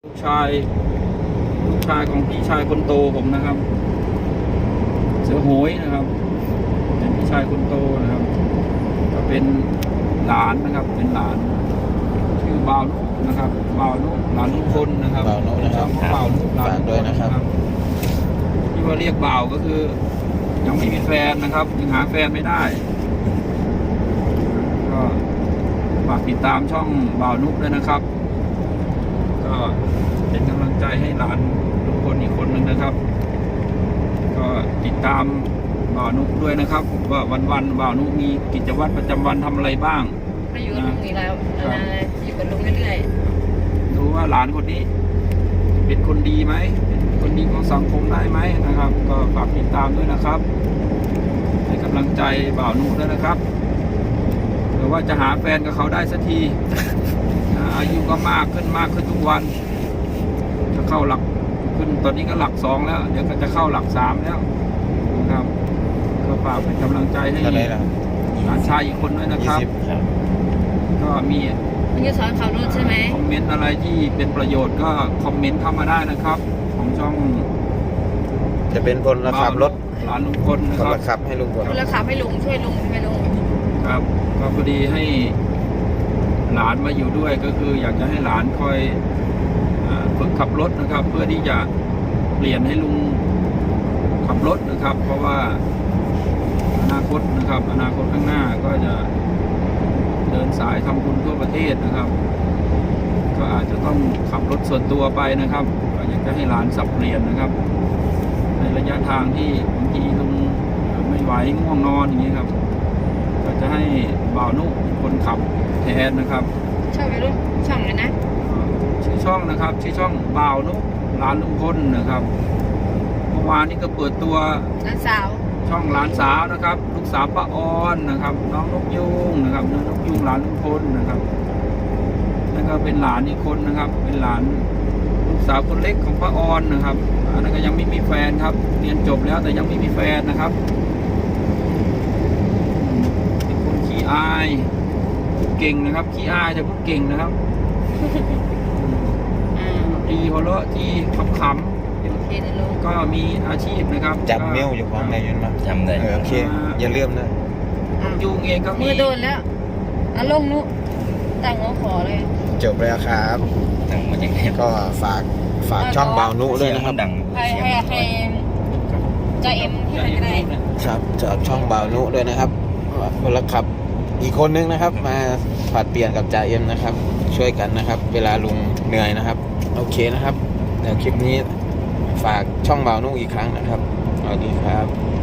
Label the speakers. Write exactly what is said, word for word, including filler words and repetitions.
Speaker 1: ลูกชายลูกชายของพี่ชายคนโตผมนะครับ เสือโหยนะครับเป็นพี่ชายคนโตนะครับ ก็เป็นหลานนะครับ เป็นหลานชื่อบ่าวนุนะครับบ่าวนุหลานลุงพลนะครับ
Speaker 2: บ่าวนุนะครับ
Speaker 1: บ่าวนุหลานลุงพ
Speaker 2: ฝากด้วย
Speaker 1: ล
Speaker 2: นะครับ
Speaker 1: ที่ว่าเรียกบ่าวก็คือ ยังไม่มีแฟนนะครับยังหาแฟนไม่ได้ ก็ฝากติดตามช่องบ่าวนุด้วยนะครับ ก็เป็นกำลังใจให้หลานทุกคนอีกคนหนึ่งนะครับ ก็ติดตามบ่าวนุด้วยนะครับว่าวันๆบ่าวนุมีกิจวัตรประจำวันทำอะไรบ้าง
Speaker 3: ไปอยู่กับลุงอีกแล้วนานๆอยู่กับลุงเรื่อย
Speaker 1: ดูว่าหลานคนนี้ เป็นคนดีไหมเป็นคนดีของสังคมได้ไหมนะครับ ก็ฝากติดตามด้วยนะครับให้กำลังใจบ่าวนุด้วยนะครับเผื่อว่าจะหาแฟนกับเขาได้สักที นะอายุก็มากขึ้นมากขึ้นทุกวัน จะเข้าหลักขึ้นตอนนี้ก็หลักสองแล้ว เดี๋ยวก็จะเข้าหลักสามแล้วนะครับก็ฝากเป็นกำลังใจให้
Speaker 2: เท่าไหร่ล่ะ
Speaker 1: หลานชายอีกคนด้วยนะครับ
Speaker 2: ยี่สิบครับ
Speaker 1: ก็มี
Speaker 3: ๆมันจะสอนขับรถใช่ไหม
Speaker 1: คอมเมนต์อะไรที่เป็นประโยชน์ก็คอมเมนต์เข้ามาได้นะครับ ของช่อง
Speaker 2: จะเป็นพลละขับรถ
Speaker 1: หลานลุงพลนะ
Speaker 2: พ
Speaker 1: ค
Speaker 2: ล
Speaker 1: รับ
Speaker 2: ละขับให้ลุงพล
Speaker 3: คุณละขับให้ลุงช่วยลุงใช่ไหมลุง
Speaker 1: ครับก็พอดีให้หลานมาอยู่ด้วยก็คือ อยากจะให้หลานคอยอ่าฝึกขับรถนะครับ เพื่อที่จะเปลี่ยนให้ลุงขับรถนะครับ เพราะว่าอนาคตนะครับ อนาคตข้างหน้าก็จะเดินสายทำบุญทั่วประเทศนะครับ ก็อาจจะต้องขับรถส่วนตัวไปนะครับก็อยากจะให้หลานสับเปลี่ยนนะครับ ในระยะทางที่บางทีลุงไม่ไหวง่วงนอนอย่างนี้ครับ ก็จะให้บ่าวนุเป็นคนขับแทนนะครับ
Speaker 3: ชอบไปรุ่นช่องเลยนะ
Speaker 1: ชื่อช่องนะครับชื่อช่องบ่าวนุหลานลุงพลนะครับเมื่อวานนี้ก็เปิดตัว
Speaker 3: น้าสาว
Speaker 1: ช่องหลานสาวนะครับ ลูกสาวป้าออนนะครับ น้องนกยุงนะครับน้องนกยุงหลานลุงพลนะครับแล้วก็เป็นหลานอีกคนนะครับ เป็นหลานลูกสาวคนเล็กของป้าออนนะครับอันนั้นก็ยังไม่มีแฟนครับ เรียนจบแล้วแต่ยังไม่มีแฟนนะครับเป็นคนขี้อายพูดเก่งนะครับขี้อายแต่พูดเก่งนะครับ
Speaker 3: อ่า
Speaker 1: ดีหัวเราะที่ขำ
Speaker 3: โอเคนะลุง
Speaker 1: ๆก็มีอาชีพนะครับ
Speaker 2: จับเมลอยู่ข้างในอยืนมา
Speaker 4: จำได้
Speaker 2: เออโอเค อย่าลืมนะ
Speaker 1: นกยุงเองก็มี
Speaker 3: มือโดนแล้วอ่ะลงนุตั้งหัวขอเลย
Speaker 2: จบแล้วครับ
Speaker 4: ดังมาจากไหน
Speaker 2: ก็ฝากฝากช่องบ่าวนุด้วยนะครับ
Speaker 4: ดัง
Speaker 3: ให้ให้ให้ใจเอ็มที่ไหนก็ได้
Speaker 2: ครับจากช่องบ่าวนุด้วยนะครับพลขับอีกคนนึงนะครับ มาผลัดเปลี่ยนกับจ่าเอ็มนะครับ ช่วยกันนะครับ เวลาลุงเหนื่อยนะครับ โอเคนะครับเดี๋ยวคลิปนี้ฝากช่องบ่าวนุอีกครั้งนะครับสวัสดีครับ